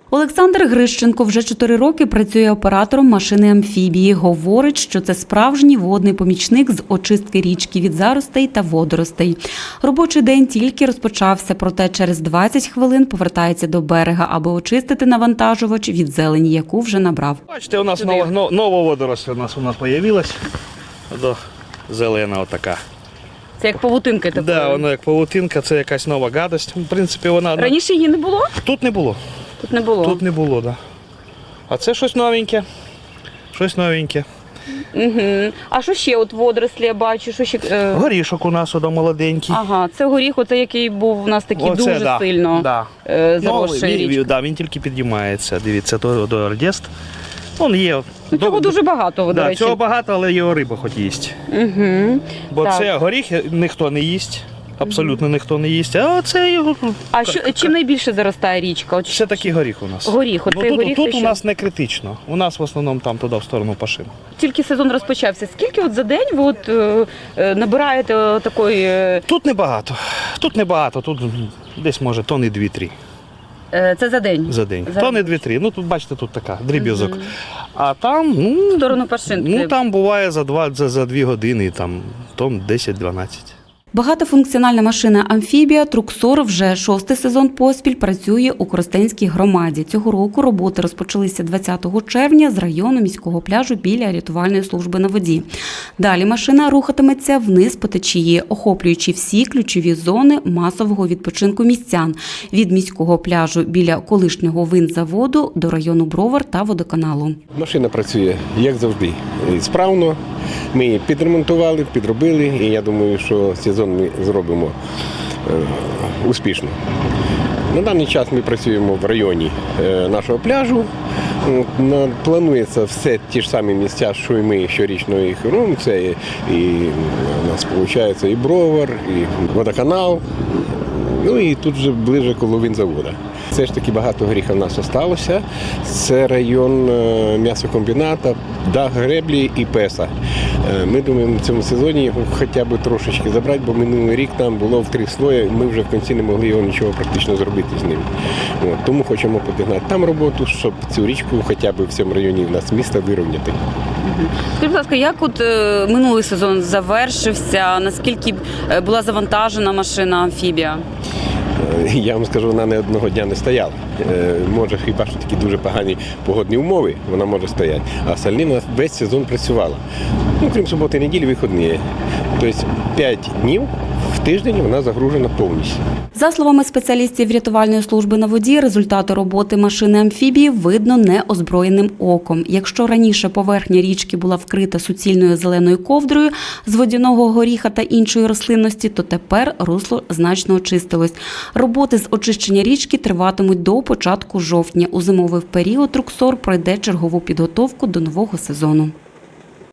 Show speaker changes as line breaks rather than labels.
Олександр Грищенко вже 4 роки працює оператором машини-амфібії. Говорить, що це справжній водний помічник з очистки річки від заростей та водоростей. Робочий день тільки розпочався, проте через 20 хвилин повертається до берега, аби очистити навантажувач від зелені, яку вже набрав.
Бачите, у нас нова водоросла у нас з'явилась. Зелена отака.
Це як павутинка така?
Так, воно як павутинка, це якась нова гадость. В принципі, вона...
Раніше її не було?
Тут не було.
Тут не було?
Тут не було, так. Да. А це щось новеньке. Щось новеньке.
Угу. А що ще от водорослі я бачу? Що ще?
Горішок у нас молоденький.
Ага, це горіх, оце який був у нас такий
Оце,
дуже сильно заросший річкою.
Да, він тільки підіймається. Дивіться, то ордест. Він є.
Цього дуже багато, до речі.
Цього багато, але його риба хоч їсть.
Угу.
Бо це горіх ніхто не їсть. Абсолютно ніхто не їсть, а це його...
А чим найбільше заростає річка?
Це такий горіх у нас.
Горіх, оцей горіх.
Тут у нас не критично. У нас в основному там туди в сторону Пашин.
Тільки сезон розпочався. Скільки от за день ви от набираєте такої...
Тут небагато. Тут десь може тонни 2-3.
Це за день?
За день. Тонни 2-3. Ну тут бачите, тут така дріб'язок. А там,
в сторону Пашинки.
Там буває за 2 години, там тонн 10-12.
Багатофункціональна машина-амфібія «Труксор» вже 6-й сезон поспіль працює у Коростенській громаді. Цього року роботи розпочалися 20 червня з району міського пляжу біля рятувальної служби на воді. Далі машина рухатиметься вниз по течії, охоплюючи всі ключові зони масового відпочинку містян – від міського пляжу біля колишнього винзаводу до району Бровар та водоканалу.
Машина працює, як завжди, справно. Ми її підремонтували, підробили, і я думаю, що сезон ми зробимо успішно. На даний час ми працюємо в районі нашого пляжу. Планується все ті ж самі місця, що і ми щорічно їх робимо. Це і у нас виходить і Бровар, і водоканал, ну і тут вже ближче коло винзаводу. Все ж таки багато горіха в нас залишилося. Це район м'ясокомбіната, дах греблі і Песа. Ми думаємо, в цьому сезоні його хоча б трошечки забрати, бо минулий рік там було в 3 слої, ми вже в кінці не могли його нічого практично зробити з ним. Тому хочемо підігнати там роботу, щоб цю річку хоча б в цьому районі в нас міста вирівняти.
Скажіть, будь ласка, як от минулий сезон завершився, наскільки була завантажена машина-амфібія?
Я вам скажу, вона не одного дня не стояла. Може, хіба що такі дуже погані погодні умови, вона може стояти. А остальні вона весь сезон працювала. Крім суботи і неділі, вихідні. Тобто 5 днів в тиждень вона загружена повністю.
За словами спеціалістів рятувальної служби на воді, результати роботи машини-амфібії видно неозброєним оком. Якщо раніше поверхня річки була вкрита суцільною зеленою ковдрою з водяного горіха та іншої рослинності, то тепер русло значно очистилось. Роботи з очищення річки триватимуть до початку жовтня. У зимовий період «Труксор» пройде чергову підготовку до нового сезону.